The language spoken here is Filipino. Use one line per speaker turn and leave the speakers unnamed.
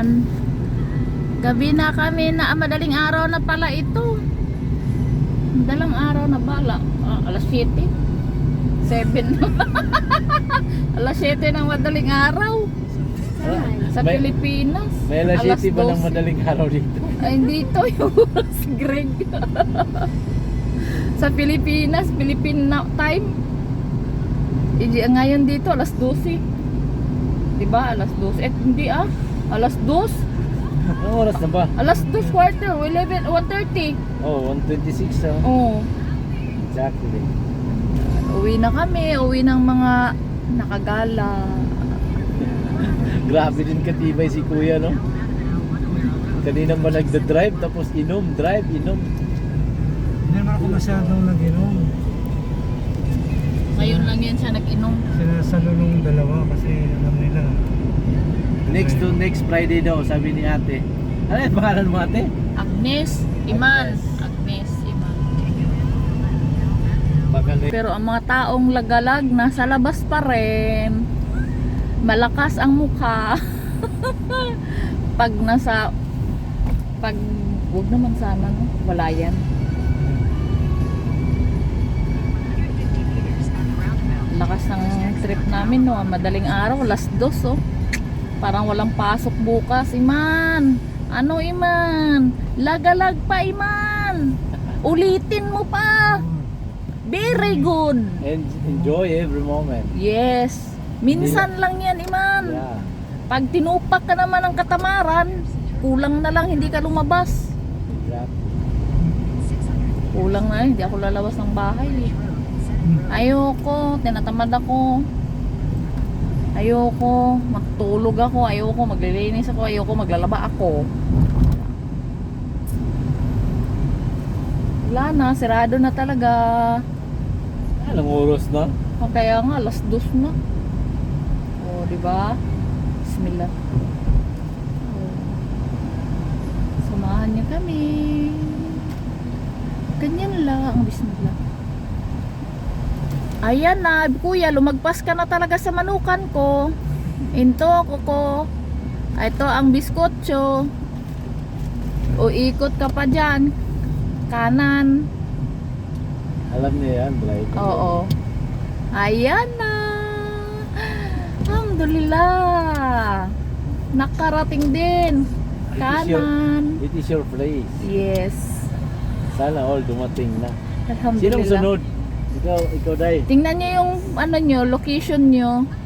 Ayan. Gabi na kami na madaling araw na pala ito. Madalang araw na bala. Alas 7. 7. Alas 7 ng madaling araw. Sa Pilipinas.
May alas 7 ba ng
12?
madaling araw dito?
Ay, dito yung oras, Greg. Sa Pilipinas, Philippine time. Ngayon dito, alas 12. Diba? Alas 12. Hindi alas 2.
Anong oras na ba?
Alas 2 quarter, 11, 1:30.
Oh, 1:26
Oh.
Exactly.
Uwi na kami, uwi ng mga nakagala.
Grabe din katibay si kuya, no? Kanina ba nagda-drive tapos inom, drive, inom.
Hindi naman ako masyadong nag-inom.
Ngayon lang yan siya nag-inom.
Sinasalo nung dalawa kasi alam nila.
Next Friday daw, sabi ni ate. Ano yung pangalan mo, ate?
Agnes, Iman. Agnes, Iman. Pero ang mga taong lagalag nasa labas pa rin. Malakas ang mukha. Pag wag naman sana, no? Wala yan. Lakas ng trip namin, no? Madaling araw, alas 2, oh. Parang walang pasok bukas, Iman. Ano, Iman? Lagalag pa, Iman. Ulitin mo pa. Very good.
And enjoy every moment.
Yes. Minsan lang yan, Iman.
Yeah.
Pag tinupak ka naman ng katamaran, kulang na lang hindi ka lumabas.
Exactly.
Kulang na, hindi ako lalabas ng bahay. Ayoko, tinatamad ako. Ayoko, magtulog ako. Ayoko, maglilinis ako. Ayoko, maglalaba ako. Wala na, sirado na talaga.
Anong oras na?
Kaya nga, alas 2 na. O, diba? Bismillah. O. Samahan niyo kami. Ganyan lang, bismillah. Ayan na, kuya, lumagpas ka na talaga sa manukan ko. Into ko. Ito ang biskotso. O ikot ka pa dyan. Kanan.
Alam niya yan, drive.
Oo. Ayan na. Alhamdulillah. Nakarating din. Kanan.
It is your place.
Yes.
Sana all dumating na.
Alhamdulillah.
Sinong sunod? Ikaw Day.
Tingnan nyo yung ano nyo, location nyo.